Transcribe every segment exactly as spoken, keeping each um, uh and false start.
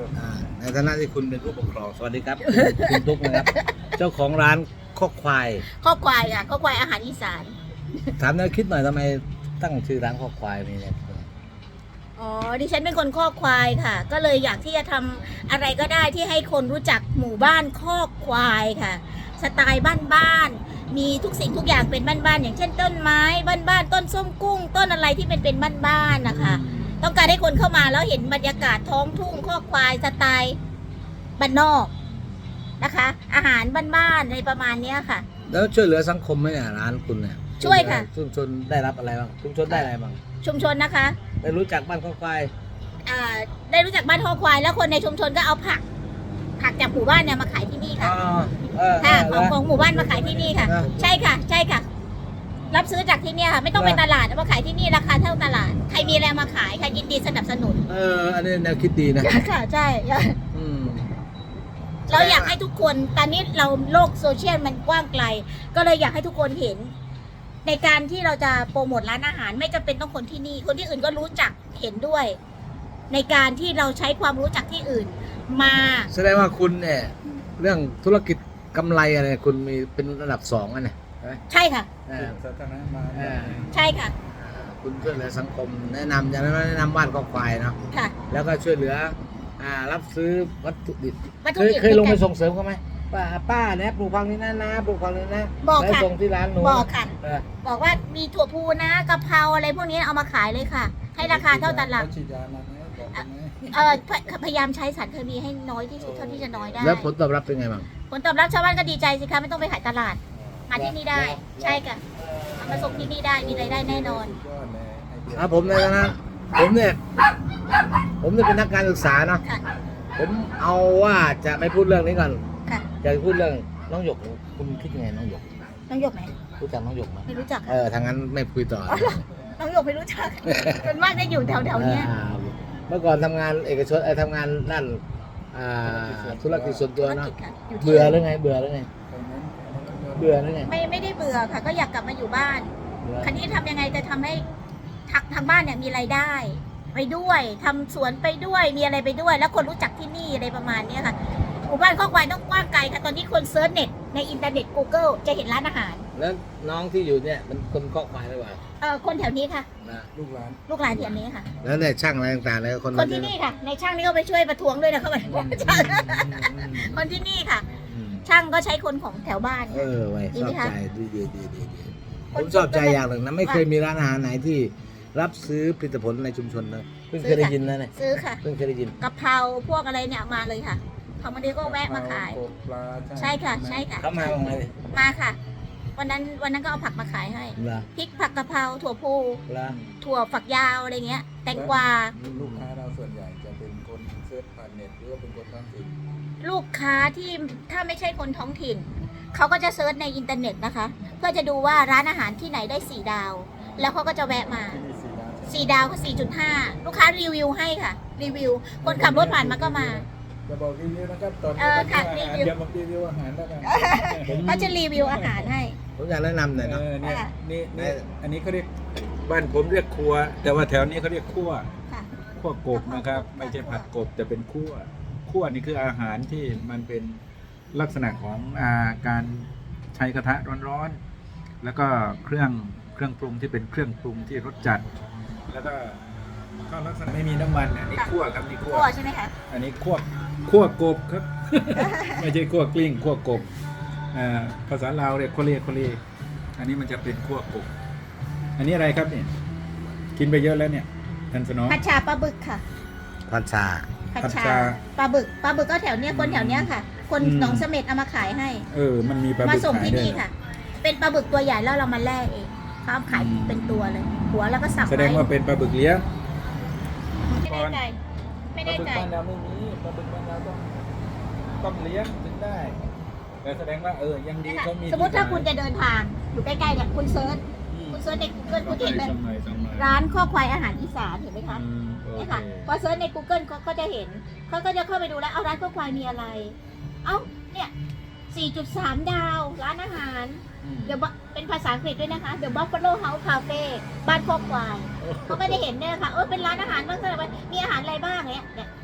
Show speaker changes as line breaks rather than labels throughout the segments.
ในฐานะที่คุณเป็นผู้ปกครองสวัสดีครับ คุณตุ๊กนะครับเจ้าของร้านข้อควาย
ข้อควายอ่ะข้อควายอาหารอีสาน
ถามแนวคิดหน่อยทำไมตั้งชื่อร้านข้อควายมีเนี่ย
อ๋อดิฉันเป็นคนข้อควายค่ะ ก็เลยอยากที่จะทำอะไรก็ได้ที่ให้คนรู้จักหมู่บ้านข้อควายค่ะ สไตล์บ้านๆมีทุกสิ่งทุกอย่างเป็นบ้านๆอย่างเช่นต้นไม้บ้านๆต้นส้มกุ้ง ต้นอะไรที่เป็นเป็นบ้านๆนะคะต้องการให้คนเข้ามาแล้วเห็นบรรยากาศท้องทุ่งข้อควายสไตล์บ้านนอกนะคะ อาหารบ้านๆในประมาณนี้ค่ะ
แล้วช่วยเหลือสังคมไหมเนี่ยร้านคุณเนี่ย
ช่วยค่ะ
ชุมชนได้รับอะไรบ้างชุมชนได้อะไรบ้าง
ชุมชนนะคะ
ได้รู้จักบ้านข้อควาย
อ่าได้รู้จักบ้านข้อควายแล้วคนในชุมชนก็เอาผัก ผักจากหมู่บ้านเนี่ยมาขายที่นี่ค่ะ
อ๋อเออ
ค่ะ
เอ
ของ
อ
ของหมู่บ้านมาขายที่นี่ค่ะ
นะ
ใช่ค่ะ ใช่ค่ะ รับซื้อจากที่เนี่ยค่ะ ไม่ต้องไป
นะ
ตลาดเอามาขายที่นี่ราคาเท่าตลาด ใครมีอะไรมาขายค่ะยินดีสนับสนุน
เอออันนี้แนวคิดดีนะ
ค่ะใช่
อืม
เราอยากให้ทุกคนตอนนี้เราโลกโซเชียลมันกว้างไกล ก็เลยอยากให้ทุกคนเห็น ในการที่เราจะโปรโมทร้านอาหาร ไม่จำเป็นต้องคนที่นี่ คนที่อื่นก็รู้จักเห็นด้วย ในการที่เราใช้ความรู้จากที่อื่น มา
แสดงว่าคุณเนี่ยเรื่องธุรกิจกำไรอะไรคุณมีเป็นระดับสองอันเนี่ยใช่ไหม
ใช่ค่ะ
อ่า
สาธารณะมา
อ่า
ใช่ค่ะ
คุณช่วยเหลือสังคมแนะนำอย่างนั้นแนะนำบ้านข้อควายเนาะ
ค่ะ
แล้วก็ช่วยเหลืออ่ารับซื้อวัตถุดิบ
วัต
เค
ถุ
ย
ดิบ
เคยลงไป
ในการ
ส่งเสริมเขาไหมป้าป้าเนี่ยปลูกฟังนี้นะนะปลูกฟังนี้นะ
บอก
แล้ว
ค่ะ
ส่งที่ร้านหนู
บอกค่ะ
เออ
บอกว่ามีถั่วพูนะกะเพราอะไรพวกนี้เอามาขายเลยค่ะ ให้ราคาเท่าตลาด
ฉีดยามาไหมบอกกันไหม
เออพยพยายามใช้สารเคมีให้น้อยที่สุดเท่าที่จะน้อยได้
แล้วผลตอบรับเป็นไงบ้าง
ผลตอบรับชาวบ้านก็ดีใจสิคะไม่ต้องไปขายตลาด มาที่นี่ได้ ใช่ค่ะเอามาส่งที่นี่ได้มีรายได้แน่นอน
ยอดเลยไอเดีย
อ่าผมในฐานะผมเนี่ยผมเนี่ยเป็นนักการศึกษาเนาะ
ค่ะ
ผมเอาว่าจะไม่พูดเรื่องนี้ก่อน
ค่ะ
จะพูดเรื่องน้องหยกคุณคิดยังไงน้องหยก
น้องหยกไหม
รู้จักน้องหยกไหม
ไม่รู้จัก
เอ
ค่ะ
อทางนั้นไม่คุยต่อ
น้องหยกไม่รู้จักส่วนมากจะอยู่แถวๆเนี้ย
อ่าเมื่อก่อนทำงานเอกชนไอ้ยทำงานด้านอ่าธุรกิจส่วนตัว
ธุร
เนาะ
กิจค่ะอยู่ที่
เบื่อหรือไงเบื่อหรือไง
ตรงนั้น
เบื่อหรือไง
ไม่ไม่ได้เบื่อค่ะ ก็อยากกลับมาอยู่บ้าน
เบื่อ
คันนี้ทำยังไงจะทำให้ทางทางบ้านเนี่ยมีรายได้ ไปด้วยทำสวนไปด้วยมีอะไรไปด้วย แล้วคนรู้จักที่นี่อะไรประมาณเนี้ยค่ะหมู่บ้านข้อควายต้องกว้างไกลค่ะตอนนี้คนเซิร์ชเน็ตในอินเทอร์เน็ต Google จะเห็นร้านอาหาร
แล้วน้องที่อยู่เนี่ยมันคนเคาะควายหรือเปล่า
เออคนแถวนี้ค่ะ
นะ
ลูกหลาน
ลูกหลานแถวนี้ค่ะ
แล้วเนี่ยช่างอะไรต่างๆเลยคน
คนที่นี่ค่ะ ในช่างนี่ก็ไปช่วยประท้วงด้วยนะเขาบอกช่างคนที่นี่ค่ะ
อืม
ช่างก็ใช้คนของแถวบ้าน
เออไว้
ดี
ช
ไหม
อบ
คะ
ใจดีดีดีดีดีผ
คน
มชอบใจ
คน
อย่างหนึ่งนะไม่เคยมีร้านอาหารไหนที่รับซื้อผลิตผลในชุมชนเลยเพิ่งเคยได้ยินนะเนี่ย
ซื้อค่ะ
เพิ่งเคยได้ยิน
กะเพราพวกอะไรเนี่ยมาเลยค่ะเขามาเดียวก็แวะมาขาย
กบปลา
ใช่ค่ะ ใช่ค่ะ
เขามาบ้างไหมเนี่ย
มาค่ะ วันนั้นวันนั้นก็เอาผักมาขายให้
เหรอ
พริกผักกะเพราถั่วพู
เหรอ
ถั่วฝักยาวอะไรเงี้ย แตงกวา
ลูกค้าเราส่วนใหญ่จะเป็นคนเซิร์ชผ่านเน็ตหรือว่าเป็นคนท้องถิ่น
ลูกค้าที่ถ้าไม่ใช่คนท้องถิ่น เขาก็จะเซิร์ชในอินเทอร์เน็ตนะคะ เพื่อจะดูว่าร้านอาหารที่ไหนได้สี่ดาว แล้วเขาก็จะแวะมา
ที่นี่สี่ดาวใช่ไหม
สี่ดาวก็สี่จุดห้าลูกค้ารีวิวให้ค่ะ รีวิว คนขับรถผ่านมาก็มา
จะบอกรีวิวนะครับตอน
เออค่ะรีวิว
เดี๋ยวมารีวิวอาหารแล้วกัน
เขาจะรีวิวอาหารให้
ผมอยากแนะนำหน่อย
เอ
เนาะ
อเนี่ย
ค่ะ
นี่นี่อันนี้เขาเรียกบ้านผมเรียกครัว แต่ว่าแถวนี้เขาเรียกคั่ว
ค่ะ
คั่วกบนะครับ ไม่ใช่ผัดกบแต่เป็นคั่วคั่วนี่คืออาหารที่มันเป็นลักษณะของอาการใช้กระทะร้อนๆแล้วก็เครื่องเครื่องปรุงที่เป็นเครื่องปรุงที่รสจัด แล้วก็ก็ลักษณะไม่มีน้ำมันอันนี้คั่วครับนี่คั่ว
คั่วใช่ไหมคะ
อันนี้คั่วคั่วกบครับ ไม่ใช่คั่วกลิ้งคั่วกบอ่าภาษาลาวเรียกโคเล่โคเล่อันนี้มันจะเป็นคั่วกบ อันนี้อะไรครับเนี่ยกินไปเยอะแล้วเนี่ยท่านสนอง
ผัดชาปลาบึกค่ะ
พันชา
ผัด
ผัด
ชา
ชา
ปลาบึกปลาบึกก็แถวเนี้ยคนแถวเนี้ยค่ะ คน
อืม
หนองเสม็ดเอามาขายให้
เออมันมีปลา
มา
บึก
ส่ง
ขาย
ที่
ด้วย
นี่ค่ะ เป็นปลาบึกตัวใหญ่แล้วเรามาแล่เองเขาเอาขาย
อืม
เป็นตัวเลย หัวแล้วก็สับ
แสดงว่าเป็นปลาบึกเลี้ยง
ไม่แน่ใจไม่
ปลา
แน่
บึก
ใจ
บ้านเราไม่มีปลาบึกบ้านเราต้องต้องเลี้ยงถึงได้แต่แสดงว่าเออยังดี
นะคะ
เขามี
สมมติถ้าคุณ
ที่
จะเดินทางอยู่ใกล้ๆเนี่ยคุณเซิร์ช
อืม
คุณเซิร์ชใน Google คุณจะเห็นเลย
สมัยสมัย
ร้านข้อควายอาหารอีสานเห็นไหมคะ
อืมโอ
เนี่ย
เค
ค่ะพอเซิร์ชใน Google เขาก็จะเห็นเขาก็จะเข้าไปดูแล้วเอาร้านข้อควายมีอะไร เอ้าเนี่ย สี่จุดสาม ดาวร้านอาหาร
อืม
เดี๋ยวเป็นภาษาอังกฤษด้วยนะคะ The Buffalo House Cafe บ้านข้อควายเขาก็จะเห็นเนี่ยค่ะเออเป็นร้านอาหารบ้างก็เลยว่ามีอาหารอะไรบ้างเนี่ยเนี่ยพอ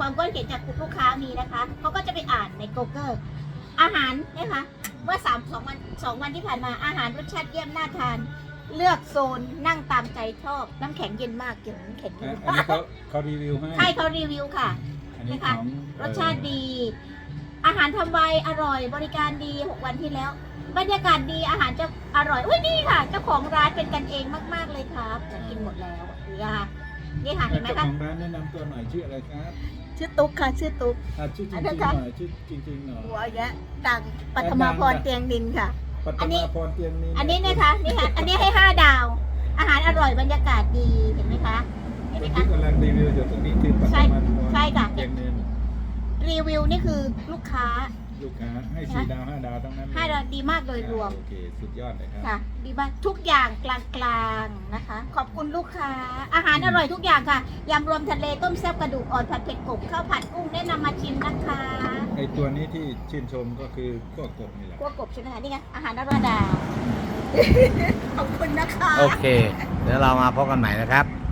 ความคิดเห็นจากลูกค้ามีนะคะเขาก็จะไปอ่านใน Google อาหารนะคะเมื่อสามสองวันสองวันที่ผ่านมาอาหารรสชาติเยี่ยมน่าทาน เลือกโซนนั่งตามใจชอบน้ำแข็งเย็นมากเก็บน้ำแข็งเย็
อั
น
นนี้เขาเขารีวิวให้
ใช่เขารีวิวค่ะ
อันนี้
นะ
ข
คะ
อง
รสชาติดี อาหารทำไวอร่อยบริการดีหกวันที่แล้ว บรรยากาศดีอาหารจะอร่อยอุ้ยนี่ค่ะเจ้าของร้านเป็นกันเองมากๆเลยครับจะกินหมดแล้วนี่ค่ะนี่ค่ะเห็นไหม
เจ้า
คะ
ของร้านแนะนำตัวหน่อยชื่ออะไรครับ
ชื่อตุ๊กค่ะชื่อตุ๊ก
อ่ะชื่อจ
อั
ริ
น
ง
นั้น
ๆห
ค่ะ
น่อยชื่อจริงๆหน่อย
หัวแยะดังปัทมาพรเตียงดินค่ะ
ปัต
อันนี้
มาพรเตียงนี้
อันนี้นะคะนี่ค่ะอันนี้ให้ห้าดาว อาหารอร่อยบรรยากาศดีเห็นไหมคะเห็นไหม
ที่
คะ
กำลังรีวิวอยู่ตรงนี้คือปัต
ใช่
มาพร
ใช่ค่ะ
เตียงนี้
รีวิวนี่คือลูกค้า
ลูกค้าให้สี่ดาวห้าดาวทั้งนั้นเลย
ห้าดาวดีมากโดยรวม
โอเคสุดยอดเลยครับ
ค่ะดีมากทุกอย่างกลางๆนะคะ ขอบคุณลูกค้า อาหารอร่อยทุกอย่างค่ะยำรวมทะเลต้มแซ่บกระดูกอ่อนผัดเผ็ดกบข้าวผัดกุ้งแนะนำมาชิมนะคะ
ไอตัวนี้ที่ชื่นชมก็คือขั้วกบนี่แหละ
กัวกบใช่ไหมคะนี่ไงอาหารอร่อยดาว ขอบคุณนะคะ
โอเค เดี๋ยวเรามาพบกันใหม่นะครับ